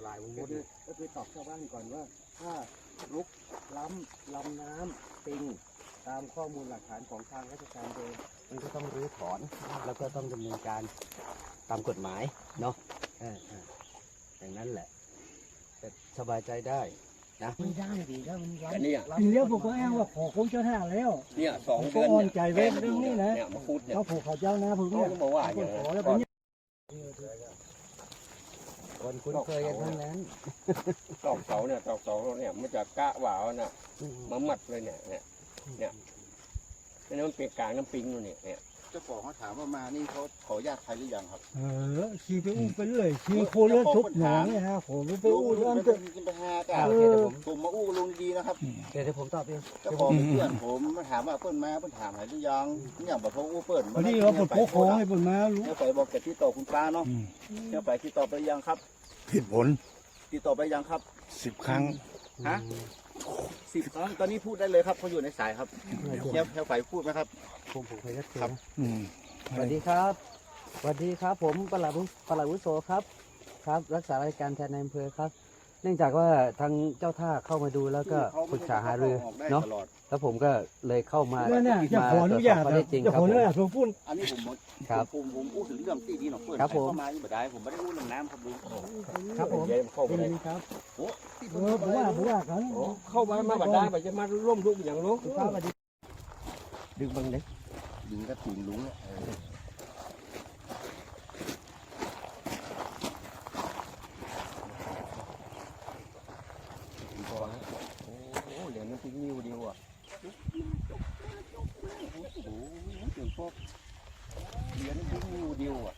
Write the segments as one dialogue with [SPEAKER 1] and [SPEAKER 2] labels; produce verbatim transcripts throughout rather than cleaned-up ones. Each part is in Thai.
[SPEAKER 1] ลายวง
[SPEAKER 2] ก็
[SPEAKER 1] วุ้น
[SPEAKER 2] คือก็คือตอบชาวบ้านก่อนว่าถ้าลุกล้ำลำน้ำปิงตามข้อมูลหลักฐานของทางราชการเดิมมันก็ต้องรื้อถอนแล้วก็ต้องดำเนินการตามกฎหมายเนาะอ่าอ่าอย่างนั้นแหละแต่สบายใจได้นะไม่ได้ดีถ้ามันล้ำ
[SPEAKER 3] อันนี้
[SPEAKER 4] ทีเดียวผมก็อ้างว่าขอคงเจ้าท่าแล้ว
[SPEAKER 3] เนี่ยสอง
[SPEAKER 4] ผมก็
[SPEAKER 3] เดือน
[SPEAKER 4] อ่อน
[SPEAKER 3] เนี่ย
[SPEAKER 4] ใจไว้เรื่องนี้นะ
[SPEAKER 3] เนี่ยมาพูดเนี่ย
[SPEAKER 4] เขาผูกเขาเจ้านะผม
[SPEAKER 3] เขา
[SPEAKER 4] เนี่ย
[SPEAKER 3] ก็บอกว่าอย่าง
[SPEAKER 4] ขอ
[SPEAKER 3] นั้น
[SPEAKER 4] แล้วเป็นเนี่ย
[SPEAKER 2] คนคุ้นเคยกันทั้งนั้น
[SPEAKER 3] ตอกเสาเนี่ยตอกเสาเนี่ยมันจะกะหวาวน่ะมามัดเลยเนี่ยเนี่ยเนี่ยนี่มันเปียกกลางน้ำปิงนู่นเนี่ยเนี่ย
[SPEAKER 1] เจ้าของเขาถามว่ามานี่เขาขออนุญาตใครหรือยังครับ
[SPEAKER 4] เออขี่ไปอู้ไปเรื่อยขี่โคเลือดทุบหนองเนี่ยฮะผมไปอู้เรื่อง
[SPEAKER 1] ไป
[SPEAKER 4] เกิด
[SPEAKER 1] กินไปหากั
[SPEAKER 2] อ่าน โอเคเดี๋ยวผม
[SPEAKER 1] ผมมาอู้ลุงดีนะครับ
[SPEAKER 2] เดี๋ยวเดี๋ยวผมตอบเอง
[SPEAKER 1] เจ้าของเป็นเพื่อนผมมาถามว่าเปิ้นมาเปิ้นถามหายหรือยังเนี่ยบอกเขาอู้เปิ้น
[SPEAKER 4] พอดีเราปลดโค้งให้ผมมารู้
[SPEAKER 1] เนี่ยไปบอกแกที่ต่อคุณป้าเนาะเนี่ยไปที่ต่อไปยังครับ
[SPEAKER 5] ผิดผล
[SPEAKER 1] ติดต่อไปยังครับ
[SPEAKER 5] สิบครั้ง
[SPEAKER 1] ฮะสิบครั้งตอนนี้พูดได้เลยครับเขาอยู่ในสายครับเนี่ยแถวไฟพูดไหมครับ
[SPEAKER 2] ผมผมเคยรักเจ
[SPEAKER 1] ครับ
[SPEAKER 5] อืม
[SPEAKER 2] สวัสดีครับสวัสดีครับ ผมปลัดปลัดวุโสครับ ครับ รักษาราชการแทนนายอำเภอครับ เนื่องจากว่าทางเจ้าท่าเข้ามาดูแล้วก็ปรึกษาหารือเนาะ แล้วผมก็เลยเข้ามา
[SPEAKER 4] แล้วเนี่ยจะขออนุญาต
[SPEAKER 2] ข้อ
[SPEAKER 4] นะ
[SPEAKER 2] เท็จจริง
[SPEAKER 4] จะ
[SPEAKER 2] ครั
[SPEAKER 4] ข
[SPEAKER 2] บ
[SPEAKER 4] อ
[SPEAKER 2] ผ
[SPEAKER 4] อนุ
[SPEAKER 2] ม
[SPEAKER 4] ญาตผมพูด
[SPEAKER 1] อันนี้ผม
[SPEAKER 2] ครับ
[SPEAKER 1] ผมผมอู้ถึงเรื่องที่ดีหน่อยเปิ้น
[SPEAKER 2] ครับผม
[SPEAKER 1] เข้ามาอยู่บ่ได้ผมไม่ได้อู้เรื่องน้ำครับลุง
[SPEAKER 4] ครับผม
[SPEAKER 3] เดี๋ยวเข้าไป
[SPEAKER 4] ดี
[SPEAKER 3] เลย
[SPEAKER 4] ครับ
[SPEAKER 1] โอ้ที่
[SPEAKER 4] เออผมว่าผมว่ากัน
[SPEAKER 3] โอ้เข้ามามาบัดได้บัดจะมาร่วมทุกข์อย่างนู้น
[SPEAKER 4] ครับสวัสดี
[SPEAKER 2] ดึงบังเล็ก
[SPEAKER 1] ดึงกระถิ่นลุงเนี่ยเออ
[SPEAKER 3] โอ้โหเหรียญมันทิ้งนิ้วเดียวอ่ะโอ้โหเดี๋ยวพวกเหรียญทิ้งนิ้วเดียวอ่ะ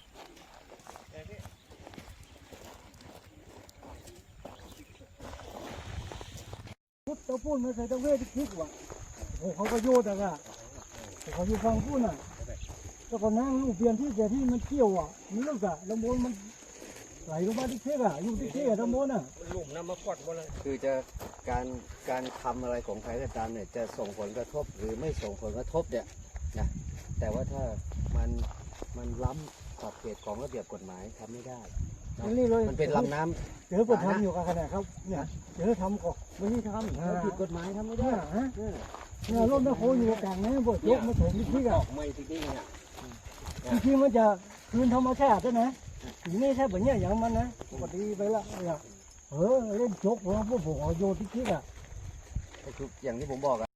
[SPEAKER 4] พุทธพูดมาใส่ตะเวทคิดว่าโอ้เขาก็โยดอะค่ะเขาอยู่ฟังพูดน่ะแล้วก็นั่งลูกเปลี่ยนที่แต่ที่มันเกี่ยวอ่ะนี่ลูกอะลำบนมันไหลลงมาที่เทกอะอยู่ที่เทกอะลำบนอ่ะ
[SPEAKER 3] ลุ่มน้ำมากอดบ่เลย
[SPEAKER 2] คือจะการการทำอะไรของใครก็ตามเนี่ยจะส่งผลกระทบหรือไม่ส่งผลกระทบเนี่ยนะแต่ว่าถ้ามันมันล้ำขอบเขตของระเบียบกฎหมายทำไม่ได้นะ
[SPEAKER 4] นี่เลย
[SPEAKER 2] มันเป็นลำน้ำ
[SPEAKER 4] เจอคนทำอยู่กันขนาดครับเนี่ยเจอทำก่อน
[SPEAKER 2] ไม่ได้ทำมันผิดกฎหมายทำไม่
[SPEAKER 4] เนี่
[SPEAKER 2] ได้
[SPEAKER 4] ยฮะ
[SPEAKER 2] เออ
[SPEAKER 4] เนี่ยรถแม่โคอยู่กลางนะบดยกมาถมที่ที่
[SPEAKER 3] ด
[SPEAKER 4] กั
[SPEAKER 3] อกไม้ที่นี่เนี่ย
[SPEAKER 4] จริงๆมันจะคืนธรรมชาติด้วยนะทีนี้แค่แบบเนี้ยอย่างมันนะปกติไปละเนี่ยเออเล่นจกของพวกผมเอาโยนที่ที่อะ
[SPEAKER 2] ก็คืออย่างที่ผมบอกอะ